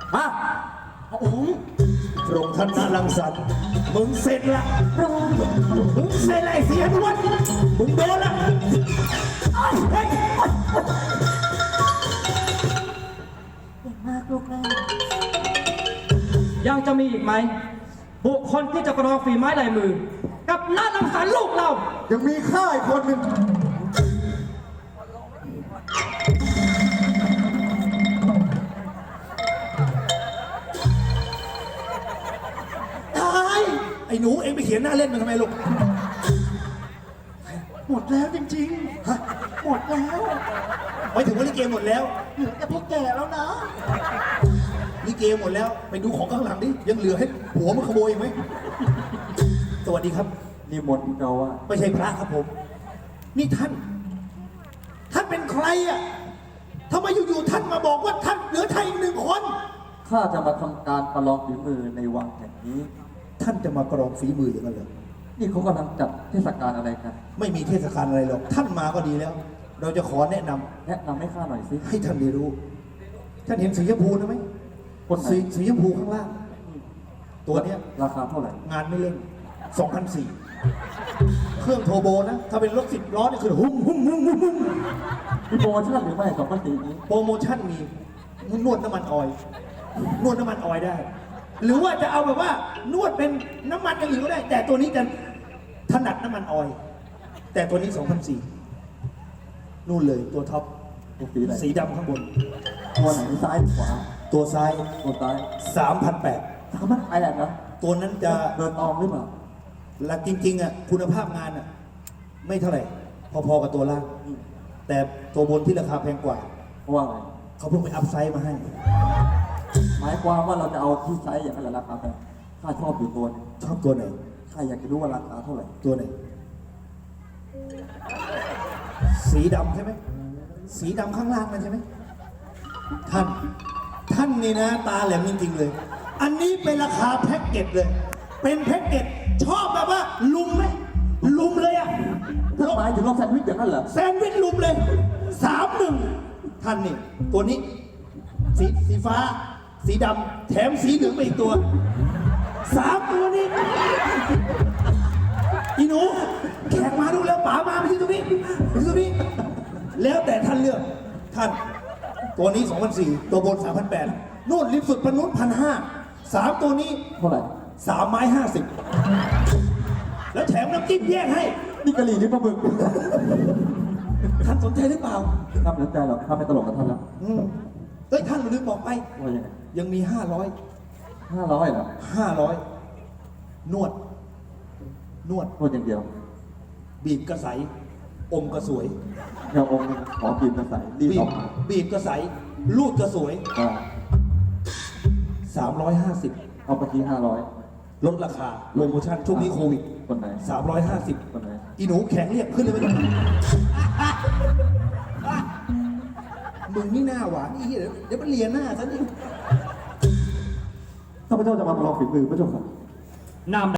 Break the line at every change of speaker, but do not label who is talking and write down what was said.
ฮะโอ้โหพระองค์ท่านน่ารังสรรค์มึงเสร็จละมึงเสร็จละไอ้เสียนวลมึงโดนละเฮ้ย
เก่งมากลูกแม่
ยังจะมีอีกไหมบุคคลที่จะประลองฝีไม้ลายมือ กับน้าลังสรรค์ลูกเรา
ยังมีข้าอีกคนหนึ่งตายไอ้หนูเองไปเขียนหน้าเล่นมันทำไมลูกหมดแล้วจริงๆฮะหมดแล้วไม่ถึงว่าลิเกหมดแล้วเหลือแต่พวกแก่แล้วนะลิเกหมดแล้วไปดูของข้างหลังดิยังเหลือให้ผัวมันขโมยอีกไหมสวัสดีครับ
นี่มนต์เราว่า
ไม่ใช่พระครับผม นี่ท่านเป็นใครอ่ะทำไมอยู่ๆท่านมาบอกว่าท่านเหลือไทยอีกหนึ่งคน
ข้าจะมาทำการประลองฝีมือในวังแห่งนี้
ท่านจะมากรองฝีมืออย่างนั้นเหรอ
นี่เขากำลังจัดเทศกาลอะไรกัน
ไม่มีเทศกาลอะไรหรอกท่านมาก็ดีแล้ว เราจะขอแนะนำ
แนะนำให้ข้าหน่อยสิ
ให้ท่านได้รู้ ท่านเห็นสีชมพูนะไหม
คนไหน
สีชมพูข้างล่าง ตัวเนี้ย
ราคาเท่าไหร่
งานไม่เล่น 2,400 เครื่องโทรโบนะ ถ้าเป็นรถ10 ล้อนี่คือหุ้ม
มีโปรโมชั่นหรือไม่2,400นี้
โปรโมชั่นมีนวดน้ำมันออยล์นวดน้ำมันออยล์ได้ หรือว่าจะเอาแบบว่านวดเป็นน้ำมันอย่างอื่นก็ได้ แต่ตัวนี้จะถนัดน้ำมันออยล์แต่ตัวนี้2,400นู่นเลยตัวท็อป
ตัวสีอะไร
สีดำข้างบน
ตัวไหนซ้ายหรือขวา
ตัวซ้าย
ตัวซ้าย
3,800
3,800นะ
ตัวนั้นจะ
เดินออมหรือเปล่า
หลักจริงๆอ่ะคุณภาพงานอ่ะไม่เท่าไหร่ พอๆกับตัวล่าง แต่ตัวบนที่ราคาแพงกว่า
เพราะว่าไง
เขาเพิ่งไปอัพไซด์มาให้
หมายความว่าเราจะเอาที่ไซส์อย่างนั้นแหละราคาแพงข้าชอบอยู่ตัวนึง
ชอบตัวไหน
ข้าอยากจะรู้ว่าราคาเท่าไหร่
ตัวไหน สีดำใช่ไหม สีดำข้างล่างนั่นใช่ไหม ท่านนี่นะ ตาแหลมจริงๆเลย อันนี้เป็นราคาแพ็กเกจเลย เป็นแพ็กเกจชอบแบบว่า ลุมไหมลุมเลยอ่ะ
ถ้าหมายถึงลองแซนด์วิชอย่างนั้นเหรอ
แซนด์วิชลุมเลย3-1ท่านนี่ ตัวนี้ สีฟ้า สีดำแถมสีเหลืองไปอีกตัว3 ตัวนี้ อีหนูแขกมาดูแล้วป๋ามาไปที่ตรงนี้ไปที่ตรงนี้ แล้วแต่ท่านเลือกท่าน ตัวนี้2,400ตัวบน3,800นู่นริมสุดปนุษย์1,500 3 ตัวนี้
เท่าไหร่
3 ไม้ 50 แล้วแถมน้ำจิ้มแยกให้
นี่กะหรี่หรือปลาหมึก
ท่านสนใจหรือเปล่า
ข้าไม่สนใจหรอกข้าไม่ตลกกับท่านแล้ว
เฮ้ยท่านลืมบอกไป
ว่ายังไง
ยังมี500
500เหรอ
นวด
นวดอย่างเดียว
บีบกระใสอมกระสวย
เดี๋ยวองค์ขอบีบกระใสรีบ
บี
อบ อกมา
บีบกระใสลูดกระสวย
อ่า
350
เอาไปที่500
ลดราคาโปรโมชั่นช่วงนี้โควิด
คนไหน
350
คนไหน
อีหนูแข็งเรียกขึ้นเลยไหมมึงนี่หน้าหวานอีเดี๋ยวมันเลียหน้าซะนี่
ข้าพเจ้าจะมาประลองฝีมือพระเจ้าค่ะ
นาม